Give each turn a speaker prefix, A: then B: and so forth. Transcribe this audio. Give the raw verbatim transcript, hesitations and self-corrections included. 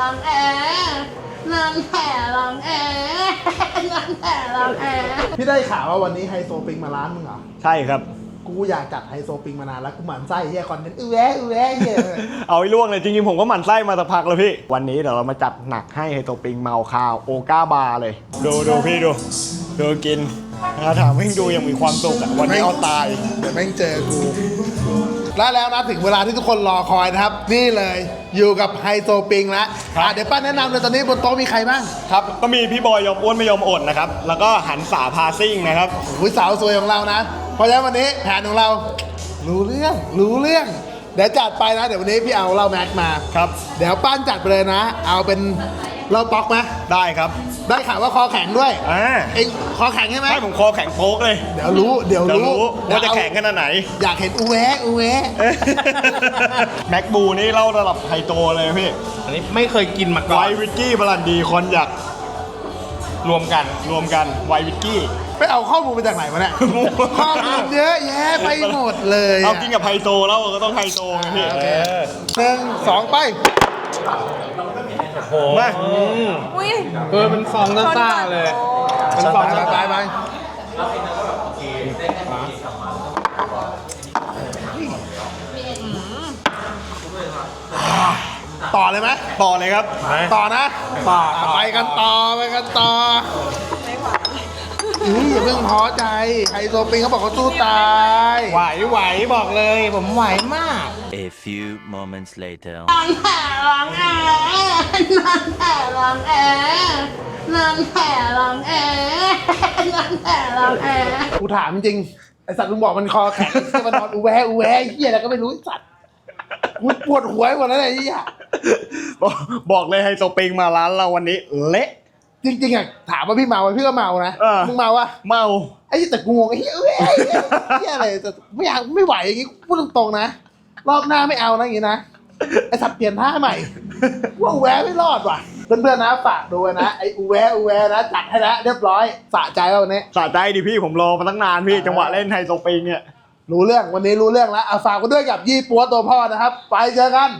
A: องแอลองแผลลองแอลองแผลลองแอ
B: พี่ได้ข่าวว่าวันนี้ไฮโซปิงมาร้านมึงเหรอ
C: ใช่ครับ
B: กูอยากจัดไฮโซปิงมานานแล้วกูหมั่นไส้เฮียคอนเทนต์อื้อแวะอื้อแวะเฮีย
C: เอาไอ้ล่วงเลยจริงๆผมก็หมั่นไส้มาสักพักแล้วพี่ วันนี้เดี๋ยวเรามาจัดหนักให้ไฮโตปิงเมาคาวโอก้าบาร์เลย ดูดูพี่ดูดูกินถ้าถามให้ดูยังมีความสุขอ่ะวันนี้เอาตาย
B: เดี๋ยวแม่งเจอกูแล้วแล้วนะถึงเวลาที่ทุกคนรอคอยนะครับ นี่เลยอยู่กับไฮโซปิงแล้ว
C: ครับ
B: อ่ะเดี๋ยวป้าแนะนำเลยตอนนี้บนโต๊ะมีใครบ้าง
C: ครับก็มีพี่บอยยอมอ้วนไม่ยอมอดนะครับแล้วก็หันสาพาซิ่งนะครับ
B: อุ้ยสาวสวยของเรานะ เพราะฉะนั้นวันนี้แผนของเรา รู้เรื่องรู้เรื่อง เดี๋ยวจัดไปนะ เดี๋ยววันนี้พี่เอาเหล้าแม็กมา
C: ครับ
B: เดี๋ยวป้านจัดไปเลยนะ เอาเป็นเหล้าป๊อกไหม
C: ได้ครับ
B: ได้ข่าวว่าคอแข็งด้วย
C: อ่า
B: เองคอแข็งใช่ไหม
C: ให้ผมคอแข็งโป๊กเลย
B: เดี๋ยวรู้เดี๋ยว
C: เดี๋ยว
B: รู้
C: รู้ว่าจะ
B: เดี๋ย
C: แข็งขนาดไหน
B: อยากเห็นอูแวะอูแวะ
C: แม็กบูนี่เล่าระดับไฮโตเลยพี่
D: อันนี้ไม่เคยกินมาก่
C: ไว
D: อน
C: น์วิสกี้บรันดีคอนยัก
D: รวมกัน
C: รวมกันไวน์วิสกี้
B: ไปเอาข้อมูลมาจากไหนมาเนี่ย ข้อมูลเยอะแยะไปหมดเลย
C: เอากินกับไฮโตแล้วก็ต้องไฮโตไงพี่
B: โอเคหนึ่งสองไป
C: มา
A: อุ้ย
D: เออเป็นฟองซ่าๆเลยเป็นฟอง
B: ไป
D: ซ่า
B: ไปไปต่อเลยไหม
C: ต่อเลยครับ
B: ต่อนะต่อไปกันต่อไปกันต่ออุ้ยอย่าเพิ่งท้อใจไฮโซปิงเขาบอกเขาสู้ตาย
D: ไหวไหวบอกเลย ผมไหวมาก
E: A few moments later.
A: ลองแผลลองแอลองแผลลองแอลองแผลลองแอลองแผลลองแอ
B: กูถามจริงไอสัตว์มึงบอกมันคอแข็งไอ้มันนอนอูแวะอูแวะไอ้เหี้ยอะไรก็ไม่รู้ไอ้สัตว์กูปวดหัวหมดแล้วไอ้เหี้ย
C: บอกบอกเลยไฮโตปิงมาร้านเราวันนี้เละ
B: จริงๆอะถามว่าพี่เมาไหมพี่ก็เมานะ
C: เออ
B: มึงเมาวะ
C: เมา
B: ไอ้แต่กูงงไอ้เหี้ยเอ้ยไอ้เหี้ยอะไรแต่ไม่อยากไม่ไหวอย่างงี้พูดตรงๆนะรอบหน้าไม่เอานะอย่างงี้นะไอ้สัตว์เปลี่ยนท่าใหม่ว่าอูแวะไม่รอดว่ะเพื่อนๆนะฝากดูนะไอ้อูแวะอูแวะนะจัดให้แล้วเรียบร้อยสะใจแล้ววันนี้
C: สะใจดิพี่ผมรอมาตั้งนานพี่จังหวะเล่นไฮโตปิงเนี่ย
B: รู้เรื่องวันนี้รู้เรื่องแล้วเอาฝากกันด้วยกับยี่ปัวตัวพ่อนะครับ ไปเจอกัน